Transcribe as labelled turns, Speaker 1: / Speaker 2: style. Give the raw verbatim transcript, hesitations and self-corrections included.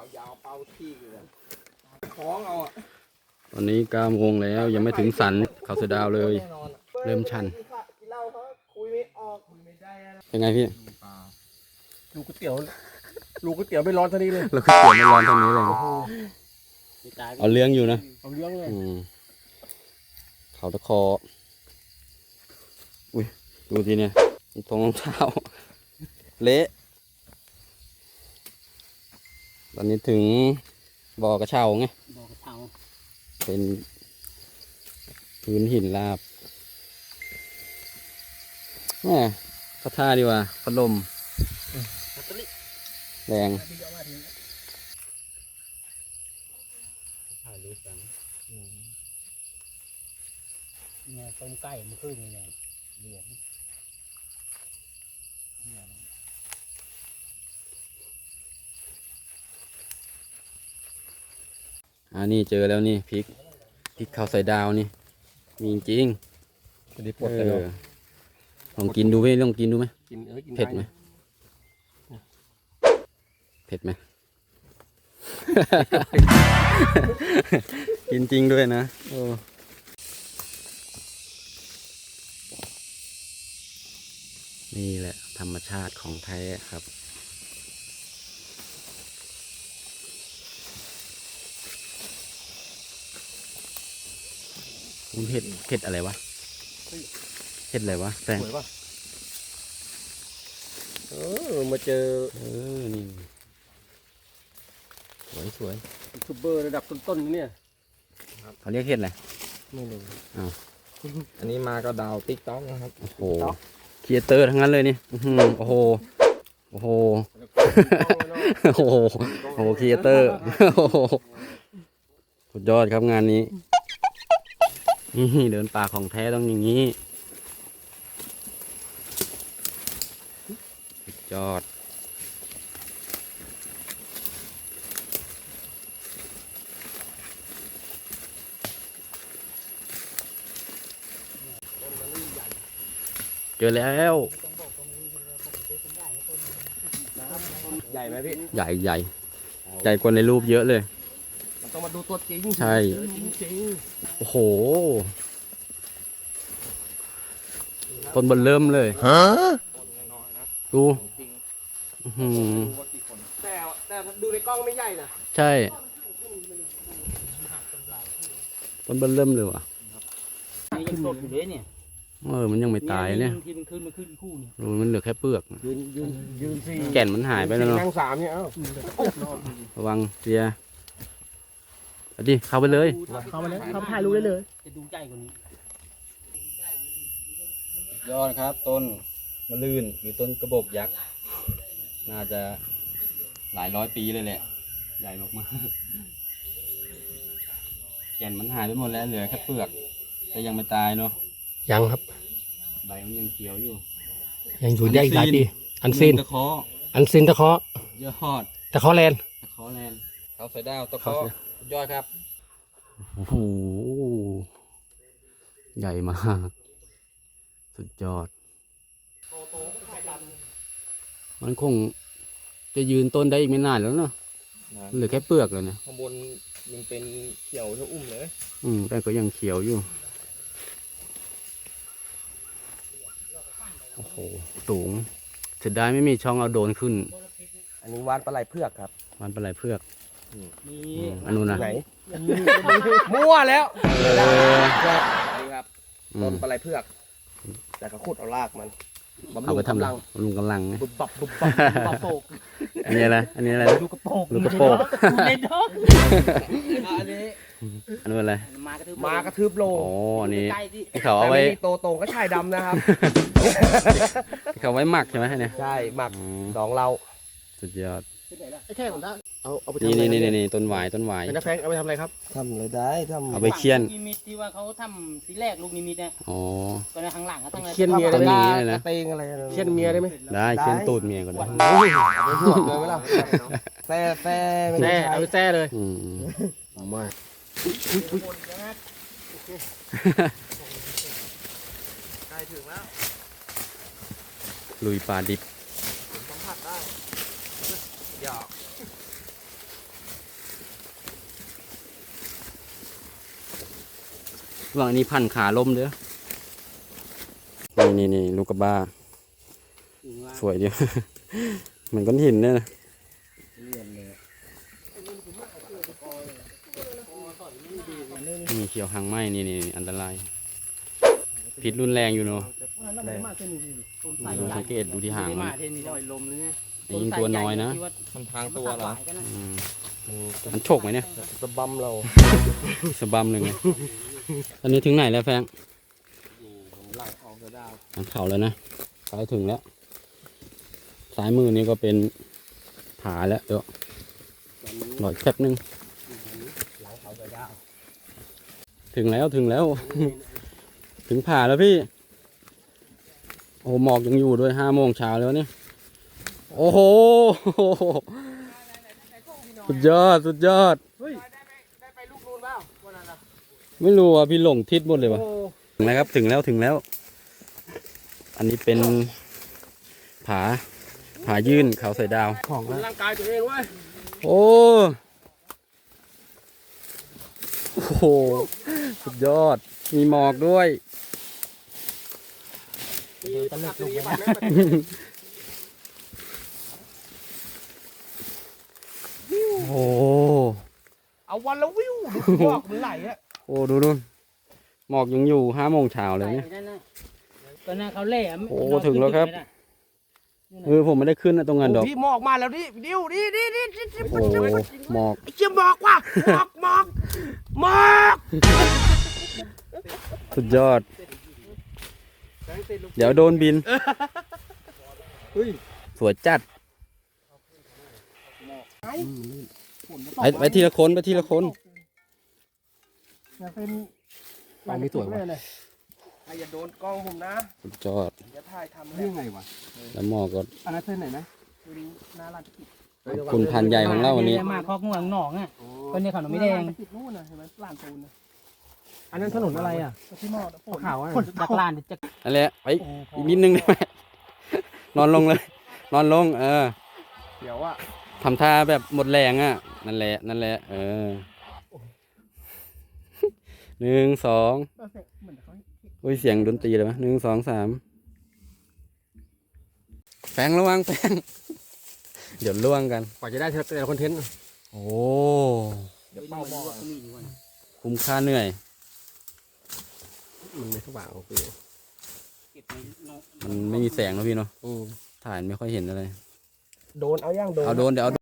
Speaker 1: ยาวเป้าที่เลยคล้องเอาอ่ะ
Speaker 2: ตอนนี้เก้าโมงแล้วยังไม่ถึงสันเขาเสดาวเลยเริ่มชันเป็นไงพี่
Speaker 1: ลูกก๋วยเตี๋ยวลูกก๋วยเตี๋ยวไม่ร้อนเท่านี้เลย
Speaker 2: เราคือเปลี่ยนไม่ร้อนเท่านี้เลยเอาเลี้ยงอยู่นะ
Speaker 1: เอาเลี้ยงเลย
Speaker 2: เขาตะคออุ้ยดูทีเนี่ยตรงรองเท้าเละตอนนี้ถึงบ่อกระเช้าไงบ่อกระเช้าเป็นพื้นหินราบแหมพัดท่าดีว่าพัดลมแรงถ่ายรูปกันเนี่ยต้มไก่มันขึ้นยังไงเหลืองอันนี้เจอแล้วนี่พริกพริกข้าวใส่ดาวนี่มีจริงได้ปวดเลยลองกินดูไหมลองกินดูไหมเผ็ดไหมเผ็ดไหม กินจริงด้วยนะโอ้นี่แหละธรรมชาติของแท้ครับมันเผ็ดเผ็ดอะไรวะเผ็ดอะไรวะแฟง
Speaker 1: เออมาเจอ
Speaker 2: เออนี่สวยสวย
Speaker 1: ยูทูบเบอร์ระดับต้นๆเนี่ย
Speaker 2: เขาเรียกเห็ดอะไร
Speaker 1: ไม่รู้
Speaker 2: อ้าว
Speaker 1: อันนี้มาก็ดาวติ๊กต๊อกนะครับ
Speaker 2: โอ้โหครีเอเตอร์ทั้งนั้นเลยนี่โอ้โหโอ้โหโอ้โหโอ้โหครีเอเตอร์สุดยอดครับงานนี้นี่เดินป่าของแท้ต้องอย่างนี้สุดยอดเจอแล้ว
Speaker 1: ใหญ่ไหมพี่
Speaker 2: ใหญ่ใหญ่ใหญ่กว่าในรูปเยอะเลย
Speaker 1: ต้องมาดูตัวจริง
Speaker 2: ใช่
Speaker 1: จริง
Speaker 2: โอ้โหต้นบนเริ่มเลยฮะดู
Speaker 1: แต่แต่ดูในกล้องไม่ใหญ่นะ
Speaker 2: ใช่ต้นบนเริ่มเลยว่ะ
Speaker 3: ยังสดอยู่เลยเนี่ย
Speaker 2: เออมันยังไม่ตายเนี่ย
Speaker 3: ที่มันขึ้นมันขึ้นคู่เนี่ย
Speaker 2: มันเหลือแค่เปลือก
Speaker 1: ยืนยืนยืนสี่
Speaker 2: แก่นมันหายไปแล้วเนาะ
Speaker 1: นั่งสามเนี่ยเอ้า
Speaker 2: ระวังเสียดิเข้าไปเลย
Speaker 1: เข้าไปเลยเข้าไปถ่ายรูปได้เลย
Speaker 3: จะดูใหญ่กว่านี้
Speaker 2: ยอดครับต้นมะลื่นหรือต้นกระบอกยักษ์น่าจะหลายร้อยปีเลยแหละใหญ่มากๆแก่นมันหายไปหมดแล้วเหลือแค่เปลือกแต่ยังไม่ตายเนาะ
Speaker 1: ยังครับ
Speaker 2: ใบมันยังเขียวอยู่
Speaker 1: ยังอยู่ได้หลายปีอันซิน
Speaker 2: ตะเคาะ
Speaker 1: อันซินตะเคาะ
Speaker 2: ยอด
Speaker 1: ตะเคาะแลน
Speaker 2: ตะเคาะแลนเขาใส่ดาวตะเคาะยอดครับโอ้โหใหญ่มากสุดยอดมันคงจะยืนต้นได้อีกไม่นานแล้วเนาะเหลือแค่เปลือกแล้วเนี่ย
Speaker 1: ข้างบนยังเป็นเขียวเท่าอุ้มเลย
Speaker 2: อืมแต่ก็ยังเขียวอยู่โอ้โหสูงเสียดายไม่มีช่องเอาโดรนขึ้น
Speaker 1: อันนี้วานปลาไหลเผือกครับ
Speaker 2: วานปลาไหลเผือก
Speaker 3: นี่
Speaker 2: อันนู้นนะ
Speaker 1: ไหนมั่วแล้วนี่ครับต้นปลาไหลเผือกแต่เขาขุดเอารากมัน
Speaker 2: เอาไปทำรังลุงกำลัง
Speaker 1: บุบบับบุบบับบุบบับโปก
Speaker 2: อันนี้อะไรอันนี้อะไร
Speaker 1: ลูกกระโปง
Speaker 2: ลูกกระโปง
Speaker 3: เล่นดอก
Speaker 1: อันนี้
Speaker 2: อันนี้อะไร
Speaker 1: มากระทืบโล
Speaker 2: อ๋ออันนี้ที่เขาเอาไว้
Speaker 1: โตโตก็ชายดำนะครับ
Speaker 2: ที่เขาไว้หมักใช่ไหมเนี่ย
Speaker 1: ใช่หมักดองเรา
Speaker 2: สุดยอด
Speaker 1: ไอ้แค่ผมได้เอาเอาไป
Speaker 2: นี่นี่นี่นี่ต้นหวายต้นหวาย
Speaker 1: เป็นนักแฟงเอาไปทำอะไรครับทำอะไรได้ทำ
Speaker 2: เอาไปเคี่ยน
Speaker 3: นิมิตที่ว่าเขาทำสีแรกลูกนิมิตเนี่ย
Speaker 2: อ๋อ
Speaker 3: ก็ในข้างหลังเขาตั้ง
Speaker 1: เคี่ยนเมียได้ไหมเตงอะไรเคี่ยนเมียได้ไหม
Speaker 2: ได้เคี่ยนตูดเมียก็ได้
Speaker 1: เอาไปหวดเลยไหมล่ะแซ่แซ่แซ่เอาไปแซ่เลย
Speaker 2: อืม
Speaker 1: มาใกล้ถึงแล้ว
Speaker 2: ลุยปลาดิบ
Speaker 1: สัมผัสได้หยอก
Speaker 2: ระหว่างนี้พันขาล้มเด้อนี่นี่นี่ลูกกระบาสวยเดียว เหมือนก้อนหินเนี่ยนะนี่เขียวหางไหมนี่นี่อันตรายพิษรุนแรงอยู่เนาะดูสังเกตดูที่หางมันยิงตัวน้อยนะ
Speaker 1: มันทางตัวเหรอ
Speaker 2: อืมมันโฉกไหมเนี่ย
Speaker 1: สะบัมเรา
Speaker 2: สะบัมหนึ่งไงตอนนี้ถึงไหนแล้วแฟง
Speaker 1: หลังออกกระดาว
Speaker 2: มันเข่าแล้วนะใกล้ถึงแล้วซ้ายมือนี้ก็เป็นผาแล้วเดี๋ยวหน่อยแป๊บนึง
Speaker 1: หลังเขากระดาว
Speaker 2: ถึงแล้วถึงแล้ว ถึงผาแล้วพี่โอ้หมอกยังอยู่ด้วยห้าโมงเช้าแล้วเนี่ยโอ้โหสุดยอดสุดยอด
Speaker 1: ได้ไปลูกนูนเปล่าวันนั้นนะ
Speaker 2: ไม่รู้อ่ะพี่หลงทิศหมดเลยวะถึงแล้วครับถึงแล้วถึงแล้ว อันนี้เป็นผาผายื่นเขาใส่ดาว
Speaker 1: ของร่างกายตัวเองเว้ย
Speaker 2: โอ้โอ้โหสุดยอดมีหมอกด้วย
Speaker 1: ตะลึกลงไปนะ
Speaker 2: โอ้
Speaker 1: เอาวันละวิวดูบอกมันไหลอะ
Speaker 2: โอ้ดูนู่นหมอกยังอยู่ห้าโมงเช้าเลยเนี่ย
Speaker 3: ตอนนั้นเขาเล่ะ
Speaker 2: โอ้ถึงแล้วครับ เออผมไม่ได้ขึ้นนะตรงนั้นดอก
Speaker 1: พี่หมอกมาแล้วดิดิวดิดิดิดิดิ
Speaker 2: โอ้หมอก
Speaker 1: ไอ้เชี่ยหมอกว่ะหมอกหมอกหมอก
Speaker 2: สุดยอด เดี๋ยวโดนบินสวยจัดไปไปทีละคนไปทีละคน
Speaker 1: จะเป็นเราไม่สวยว่ะอย่าโดนกล้องผมนะ
Speaker 2: สุดยอด
Speaker 1: อย่าถ่ายทำได้ยังไงวะ
Speaker 2: แล้วหมอกก็
Speaker 1: อันนั้นเส้นไหนนะน่ารักที่
Speaker 2: คุณพันใหญ่ของเราวันนี้
Speaker 3: มาคอกง่วงหนองอ่ะคนนี้ขนมไม่แดง
Speaker 1: ติดนู่นนะเห็นไหมลานปูนนะอันนั้นถนนอะไรอ่ะที่หมอกขาวอ่ะ
Speaker 3: จากลานจาก
Speaker 2: นั่นแหละไปอีกนิดนึงได้ไหมนอนลงเลย นอนลง เออ
Speaker 1: เดี๋ยวอ่ะ
Speaker 2: ทำท่าแบบหมดแรงอ่ะ นั่นแหละ นั่นแหละ เออ หนึ่งสองอุ้ยเสียงดนตรีเลยไหมหนึ่งสองสามแฟงระวังแฟงเดี๋ยวล่วงกัน
Speaker 1: กว่าจะได้แต่ละคอนเทนต์
Speaker 2: โอ้
Speaker 1: เดี๋ยวเป้าหม้อ
Speaker 2: คุ้มค่าเหนื่อย
Speaker 1: มันไม่สว่างโอเค
Speaker 2: มันไม่มีแสงแล้วพี่เนาะถ่ายไม่ค่อยเห็นอะไร
Speaker 1: โดนเอาย่างโดน
Speaker 2: เอาโดนเดี๋ยวเอา